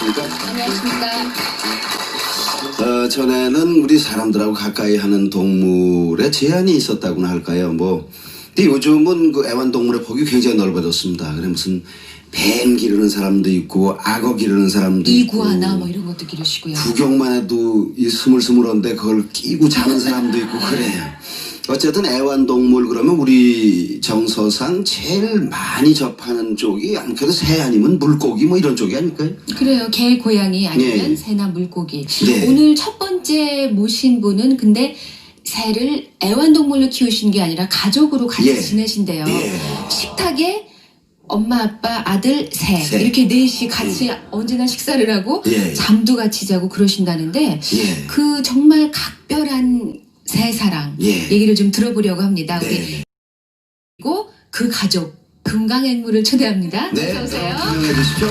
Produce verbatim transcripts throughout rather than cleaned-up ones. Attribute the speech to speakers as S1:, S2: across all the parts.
S1: 안녕하십니까?
S2: 안녕하십니까?
S1: 어, 전에는 우리 사람들하고 가까이 하는 동물에 제한이 있었다고나 할까요? 뭐, 근데 요즘은 그 애완동물의 폭이 굉장히 넓어졌습니다. 그래 무슨 뱀 기르는 사람도 있고 악어 기르는 사람도 있고
S2: 이구아나 뭐 이런 것도 기르시고요.
S1: 구경만 해도 이 스물스물한데 그걸 끼고 자는 사람도 있고 그래요. 어쨌든 애완동물 그러면 우리 정서상 제일 많이 접하는 쪽이 아무래도 새 아니면 물고기 뭐 이런 쪽이 아닐까요?
S2: 그래요. 개, 고양이 아니면
S1: 예.
S2: 새나 물고기.
S1: 네.
S2: 오늘 첫 번째 모신 분은 근데 새를 애완동물로 키우신 게 아니라 가족으로 같이
S1: 예.
S2: 지내신대요.
S1: 예.
S2: 식탁에 엄마, 아빠, 아들, 새,
S1: 새.
S2: 이렇게 넷이 같이 언제나 식사를 하고
S1: 예.
S2: 잠도 같이 자고 그러신다는데
S1: 예.
S2: 그 정말 각별한 새 사랑
S1: 예.
S2: 얘기를 좀 들어보려고 합니다.
S1: 네.
S2: 우리 그리고 그 가족 금강앵무를 초대합니다.
S1: 네.
S2: 어서 오세요.
S1: 설명해 주시죠.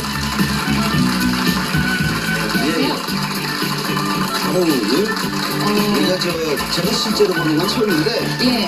S1: 예. 사랑을
S2: 어,
S1: 우리가 저 제가 실제로 보는 건 처음인데
S2: 예.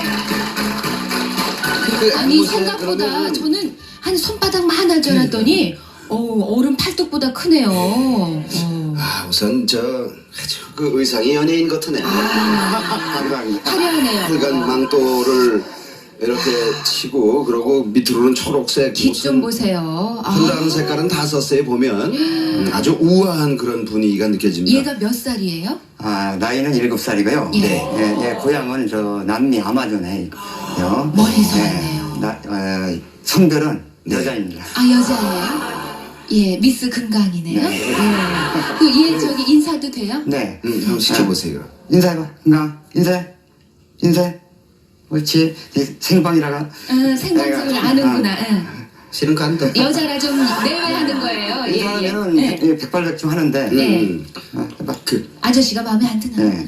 S1: 그
S2: 아니
S1: 앵무새
S2: 생각보다
S1: 그러면
S2: 저는 한 손바닥만 할 줄 알았더니 어, 어른 팔뚝보다 크네요. 어.
S1: 아 우선 저 아주 그 의상이 연예인 같으네.
S2: 아,
S1: 빨간
S2: 화려하네요.
S1: 빨간 망토를 이렇게 치고 그러고 밑으로는 초록색
S2: 깃 좀
S1: 무슨
S2: 보세요. 아,
S1: 한다는 색깔은 다 썼어요 보면 음, 아주 우아한 그런 분위기가 느껴집니다.
S2: 얘가 몇 살이에요?
S3: 아, 나이는 일곱 살이고요.
S2: 예.
S3: 예, 예, 고향은 저 남미 아마존에 있고요.
S2: 멀리서
S3: 예,
S2: 왔네요.
S3: 나, 어, 성별은
S1: 네.
S3: 여자입니다.
S2: 아 여자예요? 예, 미스 금강이네요.
S3: 네.
S2: 예. 그얘 저기 인사도 돼요?
S3: 네.
S1: 음, 한번 시켜보세요.
S3: 인사해봐. 건강. 인사해. 인사해. 그렇지. 이 생방이라가.
S2: 어, 생방송을
S3: 내가-
S2: 아는구나. 응.
S1: 실은 간다.
S2: 여자라 좀 내외하는 거예요. 예, 예.
S3: 인사하면은
S2: 예.
S3: 예, 백발백중 하는데.
S2: 네.
S1: 음,
S3: 어, 해봐.
S1: 그
S2: 아저씨가 마음에 안 드나?
S3: 네.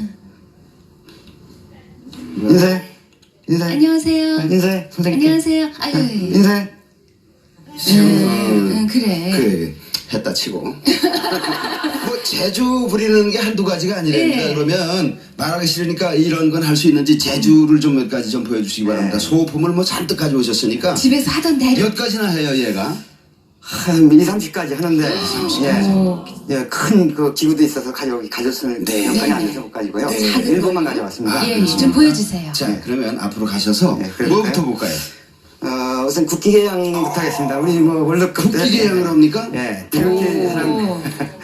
S2: 응.
S3: 인사해. 인사해.
S2: 안녕하세요.
S3: 아, 인사해. 선생님.
S2: 안녕하세요. 아유,
S3: 아,
S2: 예.
S3: 인사해.
S2: 응, 응, 그래.
S1: 그래 했다 치고 뭐 재주 부리는 게 한두 가지가 아니랍니다.
S2: 네.
S1: 그러면 말하기 싫으니까 이런 건 할 수 있는지 재주를 좀 몇 가지 좀 보여주시기 바랍니다. 소품을 뭐 잔뜩 가져오셨으니까
S2: 집에서 하던 대로.
S1: 몇 가지나 해요 얘가.
S3: 한 이삼십까지 하는데.
S2: 오.
S3: 예. 예, 큰 그 기구도 있어서 가져, 가졌으면
S1: 네.
S3: 형편이 안
S2: 네.
S3: 돼서 못 가지고요.
S1: 네.
S2: 작은
S3: 일곱만
S2: 걸로.
S3: 가져왔습니다.
S2: 예, 좀 보여주세요.
S1: 자 그러면 앞으로 가셔서
S3: 네, 그럴까요?
S1: 뭐부터 볼까요?
S3: 어, 우선 국기개양부터 하겠습니다. 우리 뭐 월드컵 때.
S1: 국기개양을 합니까?
S3: 예. 이렇게 사람.
S2: 오.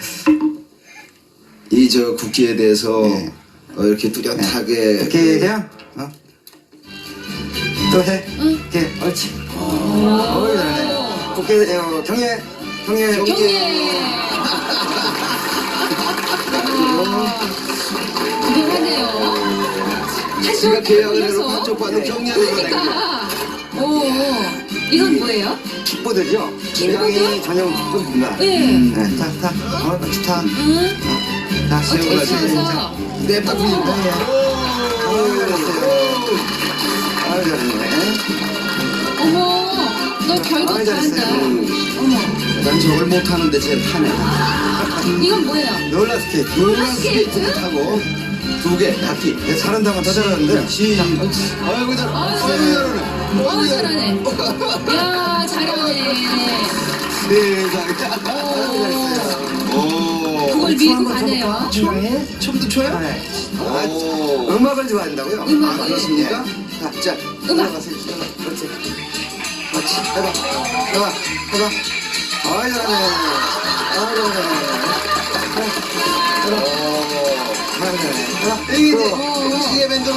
S1: 이 저 국기에 대해서
S3: 네.
S1: 어, 이렇게 뚜렷하게
S3: 국기개양? 어? 또 해.
S2: 응.
S3: 이렇게, 옳지. 어이, 잘하네. 국기, 어, 경례, 경례,
S2: 경례. 대단하네요.
S1: 지가
S2: 한쪽
S1: 계약을 해놓고
S2: 올려서.
S1: 한쪽 받은 경례를 보내.
S2: 그러니까. 오, 이건 뭐예요?
S3: 킥보드죠? 굉장히 전용 킥보드입니다.
S2: 네.
S3: 네, 타, 타. 어, 같이 타.
S2: 응?
S3: 어, 자,
S2: 어떻게
S1: 가지.
S2: 쳐서?
S1: 냅다 부린다.
S3: 어이, 잘했어요. 아유, 잘했네.
S2: 어머, 너 결국
S3: 아이,
S2: 다
S3: 잘했어요.
S2: 한다.
S1: 음.
S2: 어머,
S1: 난 저걸 못하는데 쟤 타네.
S2: 이건 뭐예요?
S3: 롤러스케이트.
S2: 롤러스케이트?
S1: 타고 두 개, 바퀴.
S3: 네, 잘한다면 더 잘하는데.
S1: 시작. 아이고 잘, 아이고 잘하네.
S2: 어우, 잘하네. 야, 잘하네.
S1: 세상에. 오.
S2: 그걸 밀고 가네요.
S3: 춤?
S1: 춤도 춰요?
S3: 네.
S1: 오.
S3: 음악을 좋아한다고요?
S2: 음악.
S1: 아, 그렇습니까?
S3: 자, 자,
S2: 음악.
S3: 올라가세요. 그렇지. 그렇지. 해봐. 해봐. 해봐. 아이, 잘하네. 아이, 잘하네. 해봐. 아이, 잘하네. 해봐.
S1: 이게
S3: 또.
S1: 이제 시계 밴드로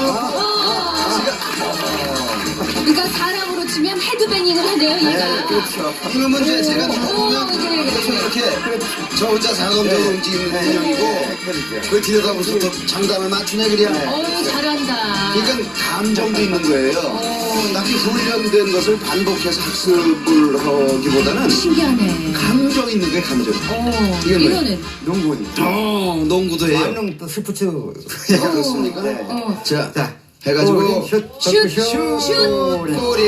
S2: 그러니까 사람으로 치면 헤드뱅잉을 하네요,
S3: 네,
S2: 얘가.
S3: 그렇죠.
S1: 이놈은 이제 제가
S2: 오,
S1: 누르면
S2: 그래, 그래.
S1: 계속 이렇게 저 혼자 자금적으로 움직이는 인형이고
S3: 그렇죠.
S1: 그 뒤에다 무슨 또 장단을 맞추네 그래야.
S2: 어우, 잘한다.
S1: 그러니까 감정도 있는 거예요.
S2: 어.
S1: 딱히 훈련된 것을 반복해서 학습을 하기보다는
S2: 신기하네.
S1: 감정 있는 거예요, 감정.
S2: 어,
S1: 이건 뭐예요?
S2: 이거는.
S3: 농구입니다.
S1: 어, 농구도 해요.
S3: 완농 또 스포츠.
S1: 그렇습니까?
S3: 네.
S2: 어.
S1: 자,
S3: 자,
S1: 해가지고
S3: 슛,
S2: 슛,
S3: 슛,
S2: 슛.
S3: 슛.
S1: 꼬리.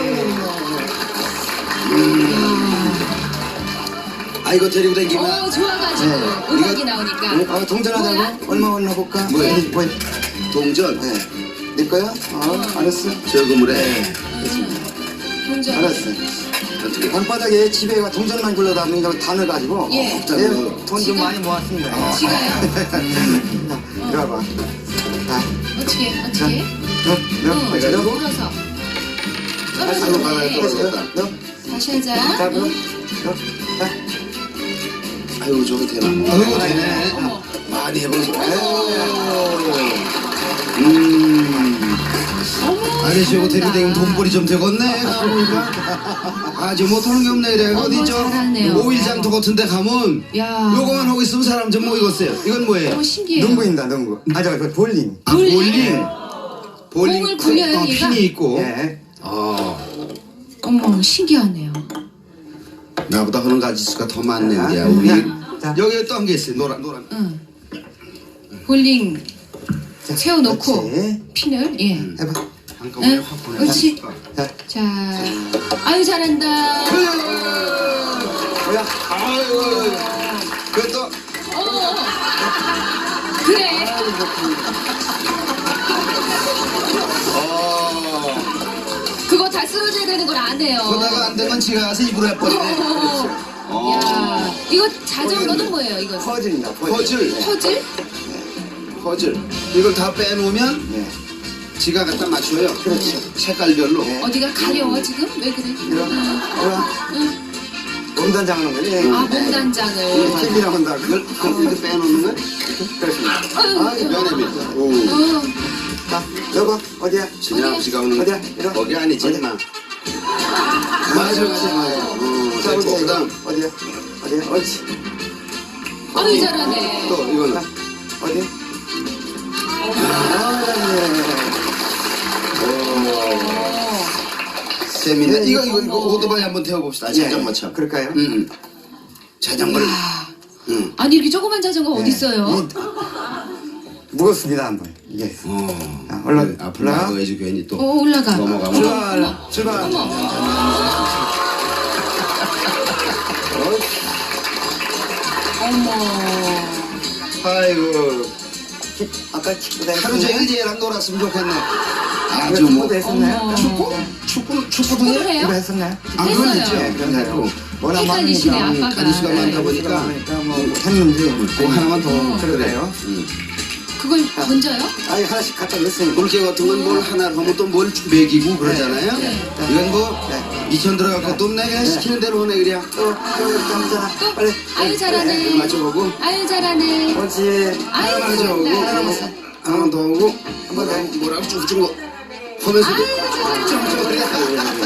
S1: 아 이거 데리고 다니기만.
S2: 어, 좋아가지고.
S3: 네.
S2: 음악이
S1: 이거-
S2: 나오니까.
S3: 어, 동전하자고?
S2: 뭐야?
S3: 얼마 올라 볼까?
S1: 뭐야?
S3: 뭐,
S1: 동전.
S3: 네. 내 거야? 어, 알았어.
S1: 저금을 해.
S2: 동전.
S3: 알았어.
S1: 어떻게?
S3: 방바닥에 집에 가 동전만 굴러다 보니 여기 다 넣어가지고
S2: 예.
S3: 네, 돈 좀
S2: 지금?
S3: 많이 모았습니다.
S2: 지가요?
S3: 자, 이리 와봐. 자,
S2: 어떻게
S3: 자,
S2: 어떻게?
S3: 넣어, 넣어,
S2: 응,
S3: 어디 넣어?
S2: 몰아서.
S3: 다시
S2: 떨어져.
S3: 넣어,
S1: 바닥에 떨어졌다.
S3: 넣어,
S2: 다시 하자.
S3: 자, 넣어,
S2: 응.
S3: 넣어, 자.
S1: 아유 저거 되나? 아유 되네.
S2: 어머.
S1: 많이 해보세요.
S3: 네.
S1: 음.
S2: 어머.
S1: 아니 저거
S2: 잘한다.
S1: 데뷔되면 돈벌이 좀 되겠네. 가보니까. 아저 못하는 게 없네 이래. 어디
S2: 어머,
S1: 저
S2: 잘하네요.
S1: 오일장터 같은 데 가면
S2: 야.
S1: 요거만 하고 있으면 사람 좀 모이겠어요. 이건 뭐예요?
S2: 너무 신기해요.
S3: 농구입니다, 농구. 아, 저, 그 볼링.
S1: 아, 볼링. 볼링.
S2: 공을 굴려요,
S1: 어,
S2: 얘가?
S1: 핀이 있고.
S3: 예.
S1: 어.
S2: 어머 신기하네요.
S1: 나보다 하는 가지수가 더 많네. 야,
S3: 음.
S1: 우리
S3: 자.
S1: 여기 또 한 게 있어요. 노란 노란.
S2: 응. 볼링
S3: 자,
S2: 채워놓고
S3: 그렇지.
S2: 핀을 예.
S3: 해봐.
S1: 한꺼번에
S2: 응?
S1: 확 보내.
S2: 그렇지.
S3: 자,
S2: 자, 아유 잘한다.
S3: 뭐야?
S1: 아유. 그것도
S2: 어. 그래.
S1: 어.
S2: 그거 다 쓰러져야 되는 걸 안 해요.
S1: 그러다가 안 되면 지가 가서 입으로 해버리네. 어.
S2: 야, 이거 자전거는 뭐예요? 이거
S3: 퍼즐입니다,
S1: 퍼즐.
S3: 네.
S2: 퍼즐?
S1: 퍼즐. 이걸 다 빼놓으면
S3: 네.
S1: 지가 갖다 맞춰요.
S3: 그렇죠.
S1: 색깔별로.
S3: 네.
S2: 어디가 가려워 지금? 왜 그래?
S3: 이런, 뭐야?
S2: 응.
S3: 몸단장 하는 거지?
S2: 아 몸단장을.
S3: 팁이라고 한다.
S1: 그걸 그걸 이렇게 빼놓는 거야?
S3: 그렇습니다.
S2: 아유.
S3: 아,
S1: 면에면. 오.
S2: 어.
S3: 자, 여보, 어디야?
S1: 진짜 아버지가 오는
S3: 어디야? 이리 와.
S1: 거기 아니지
S3: 어디야?
S1: 마. 맞아 맞아 맞아. 어.
S3: 자,
S1: 자,
S3: 어디야?
S1: 그다음
S3: 어디야? 어디야? 옳지.
S2: 아유 잘하네.
S1: 또 이거는.
S3: 자, 어디야? 아, 네.
S2: 어.
S1: 재밌네.
S3: 네,
S1: 이거 이거 이거
S2: 어머.
S1: 오토바이 한번 태워봅시다. 자전거처럼.
S3: 그럴까요?
S1: 응. 응. 자전거를.
S2: 야.
S1: 응.
S2: 아니 이렇게 조그만 자전거 어디 있어요?
S3: 이- 무겁습니다, 한번. 이게.
S1: 어.
S3: 자, 올라-
S1: 네, 앞으로
S3: 올라가.
S1: 나가야지 괜히 또.
S2: 어 올라가.
S1: 넘어가면.
S3: 출발, 출발.
S2: 어머. 어머.
S1: 아이고.
S3: 키- 아까 축구대
S1: 하루 종일 얘랑 놀았으면 좋겠네. 아주
S3: 아주
S1: 뭐.
S3: 축구도 했었나요?
S2: 어머.
S1: 축구? 축구 축구도
S2: 축구를
S1: 해?
S2: 해요?
S3: 이거 했었나요?
S1: 아, 그건
S2: 했어요.
S1: 있죠.
S3: 네, 그건 했고. 워낙
S2: 헷갈리시네,
S3: 많으니까.
S2: 아빠가.
S1: 가지수가 많다
S3: 네,
S1: 보니까.
S3: 그러니까 뭐 했는지.
S1: 그 하나만 더.
S2: 어.
S3: 그러네요.
S1: 응.
S2: 그걸 던져요?
S3: 아니, 하나씩 갖다 넣었으니까.
S1: 물개 같은 건 뭘 하나 하면 또 뭘 먹이고 그러잖아요.
S2: 네.
S1: 이건 뭐
S3: 네.
S1: 미천 들어갈 것도 없네. 그냥 시키는 대로 하네 그냥.
S3: 또, 또, 이렇게 하잖아.
S2: 또
S3: 빨리.
S2: 아유 잘하네.
S1: 네, 맞춰보고.
S2: 아유 잘하네.
S3: 옳지.
S2: 아유
S1: 하나 맞춰보고.
S2: 잘한다.
S1: 하나 맞춰. 하나 더 하고.
S3: 한번 더.
S1: 뭐라고 쭉쭉 거. 하면서도
S2: 아유 잘한다.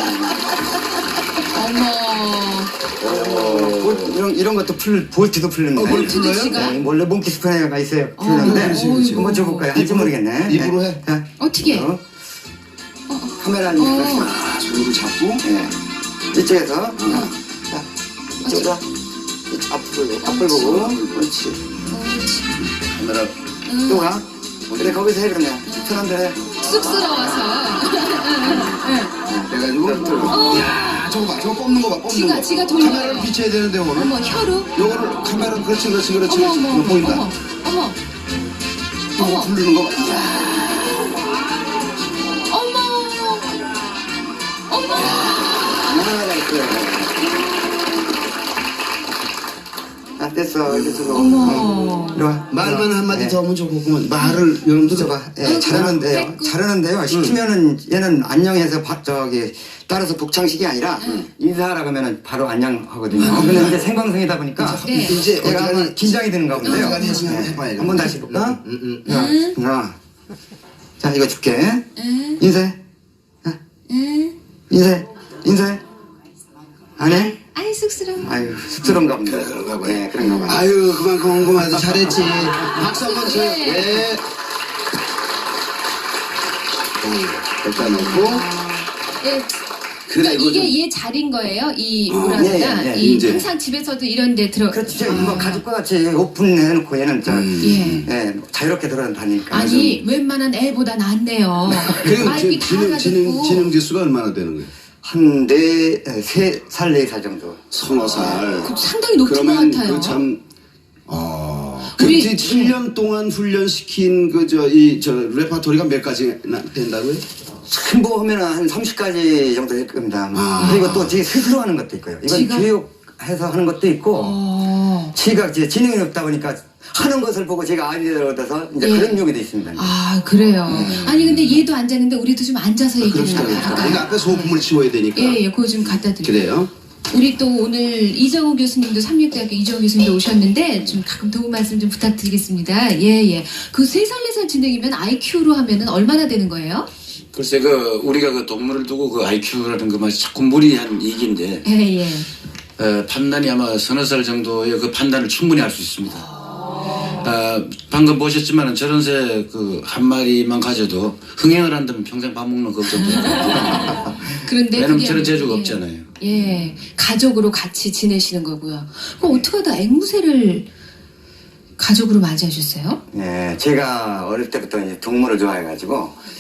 S2: 어머.
S3: 볼, 이런, 이런 것도 풀, 볼트도 풀는데.
S1: 어, 볼트도
S2: 볼트도 지가?
S3: 네, 원래 몽키 스프레이가 있어요.
S2: 어,
S3: 풀는데.
S2: 그렇지, 그렇지.
S3: 한번 줘볼까요? 할지
S1: 입으로-
S3: 모르겠네.
S1: 입으로
S3: 네.
S1: 해.
S3: 자,
S2: 어떻게?
S3: 어, 카메라니까.
S2: 어.
S1: 아, 손으로 잡고.
S3: 네. 이쪽에서. 자, 이쪽으로. 이쪽 앞을, 앞을 보고. 그렇지.
S2: 옳지.
S1: 카메라.
S2: 응.
S3: 또 가. 그래, 거기서 해, 그러면. 편한 대로 해.
S2: 쑥스러워서.
S1: 해가지고.
S2: 어.
S1: 야, 저거 봐. 저거 뽑는 거 봐. 뽑는
S2: 지가-
S1: 거.
S2: 지가 돌려요.
S1: 카메라를 비춰야 되는데 오늘.
S2: 어머 혀로.
S1: 요거를 카메라 그렇지 그렇지 그렇지.
S2: 어머
S1: 그렇지.
S2: 어머
S1: 이거
S2: 어머
S1: 보인다.
S2: 어머 어머
S1: 이거
S2: 어머.
S1: 부르는 거 봐. 이야.
S2: 어머 어머.
S3: 하나가 있어요. 아, 됐어. 이제 저거.
S2: 어머.
S3: 이리 와.
S1: 말만 한마디
S3: 네.
S1: 더 하면 좋겠구만. 말을 여러분도
S3: 붙여봐. 예,
S2: 응,
S3: 잘하는데요.
S2: 됐고.
S3: 잘하는데요. 시키면은 얘는 안녕해서 바, 저기 따라서 복창식이 아니라 인사하라고 하면은 바로 안녕하거든요. 근데 이제 생방송이다 보니까
S2: 네.
S1: 이제
S3: 얘가
S1: 어디가니
S3: 한번 긴장이 되는가 본데요.
S1: 어디가니 해서 한번
S3: 네.
S1: 해봐요.
S3: 한번 다시 해볼까?
S1: 응, 응,
S2: 응.
S3: 자, 하나. 자, 이거 줄게.
S2: 응.
S3: 인사해. 자,
S2: 응.
S3: 인사해. 인사해. 안 해?
S2: 아이 쑥스러워.
S3: 아유, 쑥스러운가 본데.
S1: 그런가 봐요.
S3: 네, 그런가 봐요.
S1: 아유 그만큼 궁금해서 잘했지. 박수 한번 쳐요.
S2: 네.
S1: 네. 여기다 놓고.
S2: 예.
S1: 그래,
S2: 그러니까
S1: 이거
S2: 이게
S1: 좀-
S2: 얘 자리인 거예요. 이
S1: 어,
S2: 뭐랍니다.
S3: 예, 예, 예,
S2: 이
S1: 이제.
S2: 항상 집에서도 이런데 들어.
S3: 그렇죠. 뭐 가족과 같이 오픈해놓고 얘는 저,
S1: 음.
S2: 예.
S3: 예, 자유롭게 돌아다니니까.
S2: 아니 웬만한 애보다 낫네요.
S1: 그리고
S2: 마이크
S1: 지-
S2: 다
S1: 지능 지능
S2: 가지고.
S1: 지능 지수가 얼마나 되는 거예요?
S3: 한 네, 세 살, 네 살 정도.
S1: 서너 살.
S2: 그 상당히 높은 것
S1: 그러면
S2: 같아요.
S1: 그 참. 어.
S2: 우리-
S1: 그때 칠 년 동안 훈련시킨 그 저 이 저 레파토리가 몇 가지나 된다고요?
S3: 전부 하면 한 삼십 가지 정도 될 겁니다.
S1: 아.
S3: 그리고 또 제 스스로 하는 것도 있고요. 이건
S2: 지가?
S3: 교육해서 하는 것도 있고,
S2: 어.
S3: 제가 이제 지능이 없다 보니까 하는 것을 보고 제가 아이디어를 얻어서 이제
S2: 예.
S3: 그런 욕이도 있습니다.
S2: 아, 그래요. 아니, 근데 얘도 앉았는데 우리도 좀 앉아서 얘기를
S1: 그렇죠.
S2: 할까요?
S1: 그러니까 앞에 소품을 치워야 되니까.
S2: 예, 예, 그거 좀 갖다 드릴게요.
S1: 그래요?
S2: 우리 또 오늘 이정우 교수님도 삼육대학교 이정우 교수님도 오셨는데 좀 가끔 도움 말씀 좀 부탁드리겠습니다. 예, 예. 그 세 살, 네 살 진행이면 아이큐로 하면은 얼마나 되는 거예요?
S4: 글쎄 그 우리가 그 동물을 두고 그 아이큐라는 것만 자꾸 무리한 얘기인데
S2: 예, 예.
S4: 어, 판단이 아마 서너 살 정도의 그 판단을 충분히 할 수 있습니다. 아, 방금 보셨지만은 저런 새 그 한 마리만 가져도 흥행을 한다면 평생 밥 먹는 걱정도 없고
S2: 그런데
S4: 왜냐면
S2: 그게
S4: 저런
S2: 아니고,
S4: 재주가
S2: 예.
S4: 없잖아요.
S2: 예, 가족으로 같이 지내시는 거고요. 그럼 어떻게 하다 앵무새를 가족으로 맞이하셨어요?
S3: 예, 제가 어릴 때부터 이제 동물을 좋아해가지고,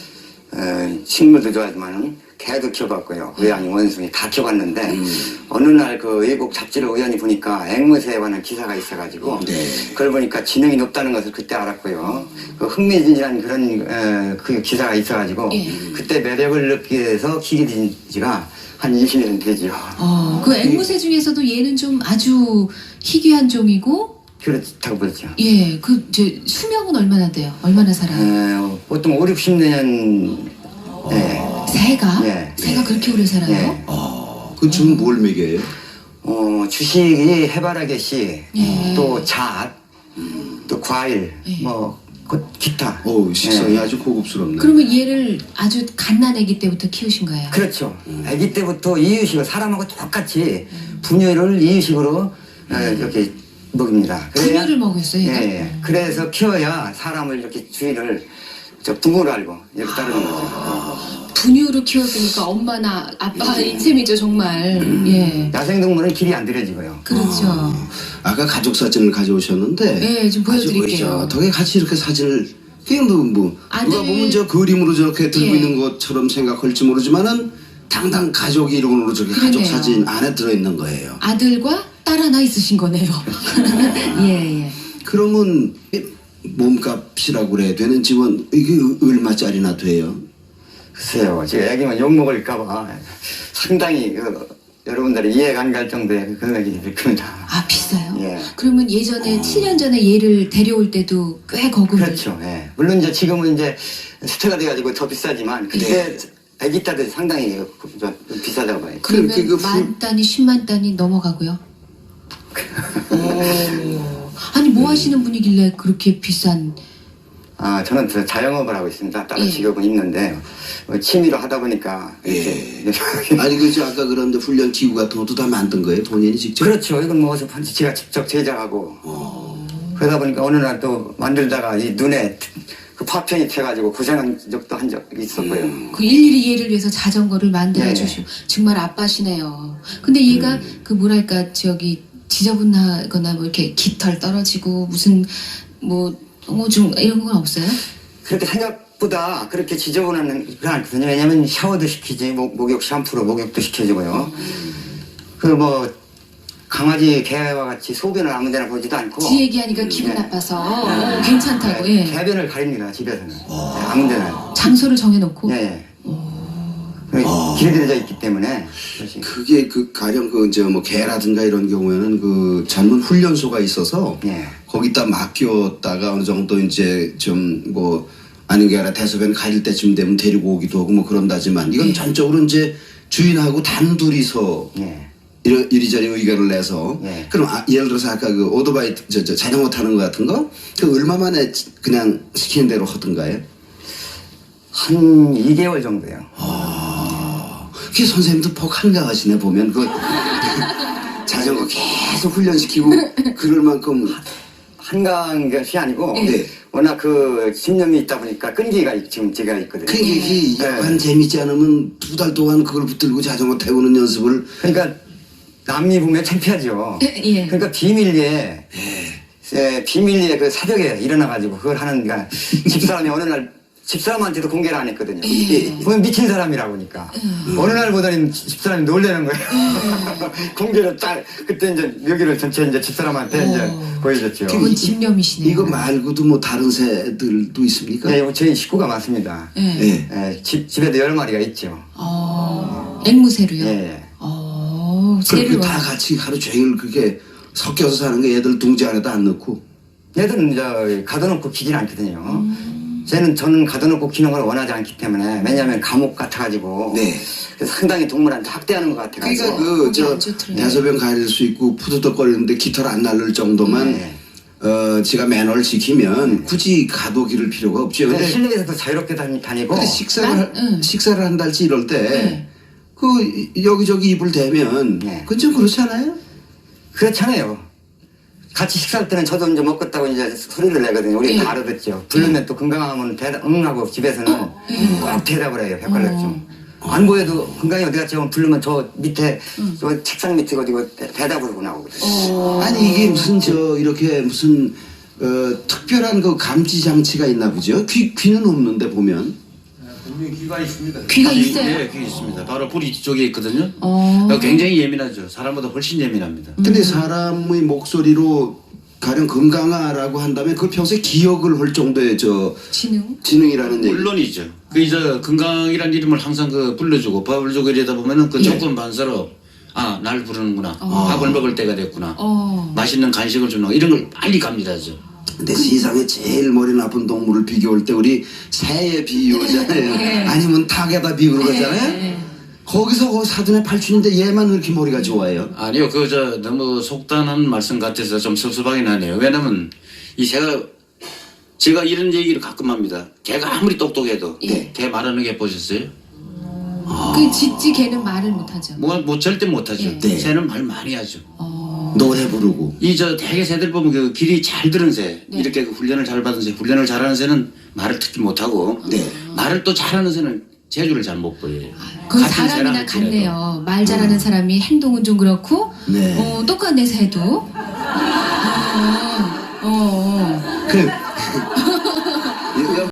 S3: 어, 식물도 좋아하지만 개도 키워봤고요. 고양이, 원숭이 다 키워봤는데, 어느 날 그 외국 잡지를 우연히 보니까 앵무새에 관한 기사가 있어가지고,
S1: 네.
S3: 그걸 보니까 지능이 높다는 것을 그때 알았고요. 그 흥미진진한 그런, 어, 그 기사가 있어가지고,
S2: 예.
S3: 그때 매력을 느끼게 돼서 키게 된 지가 한 이십 년 되죠.
S2: 어, 그 앵무새 중에서도 얘는 좀 아주 희귀한 종이고,
S3: 그렇다고 보죠.
S2: 예, 그, 이제 수명은 얼마나 돼요? 얼마나 살아요?
S3: 어, 보통 오, 육십 년, 네.
S2: 새가?
S3: 예.
S2: 새가 그렇게 오래 살아요?
S3: 예.
S1: 아, 그 지금 뭘 먹여요?
S3: 어, 주식이 해바라기씨,
S2: 예.
S3: 또 잣, 또 과일,
S2: 예.
S3: 뭐, 그 기타.
S1: 어우, 식성이
S3: 예.
S1: 아주 고급스럽네.
S2: 그러면 얘를 아주 갓난아기 때부터 키우신 거예요?
S3: 그렇죠. 아기 때부터 이유식을 사람하고 똑같이 분유를 이유식으로 어, 이렇게 먹입니다. 그래야-
S2: 분유를 먹였어요,
S3: 예,
S2: 얘가?
S3: 예. 그래서 키워야 사람을 이렇게 주인을 저 부모로 알고 이렇게 따르는 거죠.
S2: 분유로 키웠으니까 엄마나 아빠인 셈이죠, 정말. 예.
S3: 야생동물은 길이 안 들여지고요.
S2: 그렇죠.
S1: 아까 가족 사진을 가져오셨는데.
S2: 네, 좀 보여드릴게요.
S1: 어떻게 같이 이렇게 사진을. 그게 뭐, 뭐.
S2: 아들-
S1: 누가 보면 저 그림으로 저렇게 들고
S2: 예.
S1: 있는 것처럼 생각할지 모르지만은 당당 가족 이름으로 저렇게 가족
S2: 그러네요.
S1: 사진 안에 들어있는 거예요.
S2: 아들과 딸 하나 있으신 거네요. 예, 예.
S1: 그러면 몸값이라고 그래야 되는 집은 이게 얼마짜리나 돼요?
S3: 글쎄요, 제가 얘기하면 욕먹을까봐 상당히 그, 여러분들이 이해가 안 갈 정도의 그 금액이 될 겁니다.
S2: 아, 비싸요?
S3: 예.
S2: 그러면 예전에 칠 년 전에 얘를 데려올 때도 꽤 거금을.
S3: 그렇죠. 예. 물론 이제 지금은 이제 스타가 돼가지고 더 비싸지만 그때 아기 때도 상당히 그- 좀 비싸다고 봐요.
S2: 그러면
S1: 그- 그
S2: 만 단위, 십만 단위 넘어가고요. 오. 아니, 뭐 하시는 분이길래 그렇게 비싼.
S3: 아, 저는 저 자영업을 하고 있습니다. 따로
S2: 예.
S3: 직업은 있는데 어, 취미로 하다 보니까 이렇게
S1: 아니 그저 아까 그런데 훈련 기구 같은 것도 다 만든 거예요? 본인이 직접?
S3: 그렇죠. 이건 뭐 어서 제가 직접 제작하고 그러다 보니까 어느 날 또 만들다가 이 눈에 그 파편이 튀어가지고 고생한 적도 한 적이 있었고요.
S2: 그 일일이 얘를 위해서 자전거를 만들어
S3: 네.
S2: 주시고 정말 아빠시네요. 근데 얘가 그 뭐랄까 저기 지저분하거나 뭐 이렇게 깃털 떨어지고 무슨 뭐 오줌 이런 건 없어요?
S3: 그렇게 생각보다 그렇게 지저분한 건 않거든요. 왜냐면 샤워도 시키지, 목, 목욕 샴푸로 목욕도 시켜주고요. 그 뭐 강아지 개와 같이 소변을 아무데나 보지도 않고.
S2: 지 얘기하니까 기분
S3: 네.
S2: 나빠서 어, 괜찮다고. 예.
S3: 개변을 가립니다 집에서는. 네, 아무데나.
S2: 장소를 정해놓고.
S3: 예. 예. 그 길들여져 있기 때문에. 그것이.
S1: 그게 그 가령 그 이제 뭐 개라든가 이런 경우에는 그 전문 훈련소가 있어서
S3: 예.
S1: 거기다 맡겼다가 어느 정도 이제 좀 뭐 아닌 게 아니라 대소변 가릴 때쯤 되면 데리고 오기도 하고 뭐 그런다지만 이건
S2: 예.
S1: 전적으로 이제 주인하고 단둘이서
S3: 예.
S1: 이리, 이리저리 의견을 내서
S3: 예.
S1: 그럼 아, 예를 들어서 아까 그 오토바이 저, 저 자전거 타는 거 같은 거 그 얼마 만에 그냥 시키는 대로 하던가요?
S3: 한 이 개월 정도요.
S1: 아, 그게 선생님도 폭 한가하시네 보면 그 자전거 계속 훈련시키고 그럴 만큼
S3: 한가한 것이 아니고
S1: 네.
S3: 워낙 그 집념이 있다 보니까 끈기가 있- 지금 제가 있거든요.
S1: 그 이게
S3: 네.
S1: 약간 재밌지 않으면 두 달 동안 그걸 붙들고 자전거 태우는 연습을
S3: 그러니까 남이 보면 창피하죠.
S2: 예.
S3: 그러니까 비밀리에 에, 비밀리에 그 새벽에 일어나가지고 그걸 하는 그러니까 집사람이 어느 날 집사람한테도 공개를 안 했거든요.
S2: 예.
S3: 보면 미친 사람이라고 하니까. 어느 날 보더니 집사람이 놀래는 거예요. 공개를 딱, 그때 이제 묘기를 전체 이제 집사람한테
S2: 오.
S3: 이제 보여줬죠.
S2: 그건 집념이시네요.
S1: 이거 말고도 뭐 다른 새들도 있습니까?
S3: 네, 저희 식구가 많습니다.
S2: 예.
S1: 예.
S3: 예, 집, 집에도 열 마리가 있죠.
S2: 어, 앵무새로요?
S3: 예, 예.
S2: 어,
S1: 그렇게
S2: 새를
S1: 다 같이 하루 종일 그렇게 섞여서 사는 게 애들 둥지 안에다 안 넣고.
S3: 얘들은 이제 가둬놓고 키질 않거든요. 쟤는 저는 가둬놓고 키는 걸 원하지 않기 때문에, 왜냐하면 감옥 같아가지고.
S1: 네.
S3: 그래서 상당히 동물한테 학대하는 것 같아가지고.
S1: 그러니까 그
S2: 거기
S1: 저
S2: 안 좋더라고요.
S1: 대소변 가릴 수 있고 푸드덕거리는데 깃털 안 날릴 정도만
S3: 네.
S1: 어 지가 매너를 지키면 굳이 가둬 기를 필요가 없죠.
S3: 근데
S1: 근데,
S3: 실내에서도 자유롭게 다니, 다니고.
S1: 근데 식사를
S2: 난-
S1: 할-
S2: 응.
S1: 식사를 한달치 이럴 때 그
S2: 네.
S1: 여기저기 입을 대면
S3: 네.
S1: 그건 좀 그렇지 않아요?
S3: 그렇잖아요. 같이 식사할 때는 저도 이제 먹겠다고 이제 소리를 내거든요. 우리
S2: 예.
S3: 다 알아듣죠. 부르면 또 건강하면 대답, 응 하고 집에서는 꼭 대답을 해요. 헷갈렸죠. 안 보여도 건강이 어디 갔지 하면 부르면 저 밑에, 저 책상 밑에 어디고 대- 대답을 하고 나오거든요.
S1: 아니 이게 무슨 저 이렇게 무슨 어, 특별한 그 감지 장치가 있나 보죠? 귀 귀는 없는데 보면.
S4: 분명히 귀가 있습니다.
S2: 귀가 있어요?
S4: 네, 귀 있습니다. 바로 뿌리 뒤쪽에 있거든요.
S2: 어.
S4: 굉장히 예민하죠. 사람보다 훨씬 예민합니다.
S1: 근데 사람의 목소리로 가령 건강하라고 한다면 그 평소에 기억을 할 정도의 저
S2: 지능?
S1: 지능이라는 얘기.
S4: 물론이죠. 그 이제 건강이란 이름을 항상 그 불러주고 밥을 주고 이러다 보면은 그 조건 반사로 아, 날 부르는구나. 밥을 먹을 때가 됐구나.
S2: 어.
S4: 맛있는 간식을 주는 거 이런 걸 빨리 갑니다죠.
S1: 근데 세상에 제일 머리 나쁜 동물을 비교할 때 우리 새에 비유하잖아요.
S2: 예.
S1: 아니면 닭에다 비유를 하잖아요.
S2: 예.
S1: 거기서 그 사돈의 팔촌인데 얘만 왜 이렇게 머리가 좋아요?
S4: 아니요, 그 저 너무 속단한 말씀 같아서 좀 섭섭하긴 하네요. 왜냐면 이 새가 제가 이런 얘기를 가끔 합니다. 개가 아무리 똑똑해도
S2: 예.
S4: 개 말하는 게 보셨어요?
S2: 그 짖지 개는 말을 못하죠.
S4: 뭐, 뭐 절대 못하죠.
S2: 예.
S1: 네.
S4: 새는 말 많이 하죠.
S2: 어.
S1: 노래 부르고.
S4: 이 저 대개 새들 보면 그 길이 잘 들은 새,
S2: 네.
S4: 이렇게 그 훈련을 잘 받은 새, 훈련을 잘하는 새는 말을 특히 못하고
S1: 네.
S4: 말을 또 잘하는 새는 재주를 잘 못 보여요.
S2: 그건
S4: 같은 새라
S2: 사람이나
S4: 할지라도.
S2: 같네요. 말 잘하는 사람이 행동은 좀 그렇고,
S1: 네.
S2: 어, 똑같네, 새도. 어, 어, 어.
S1: 그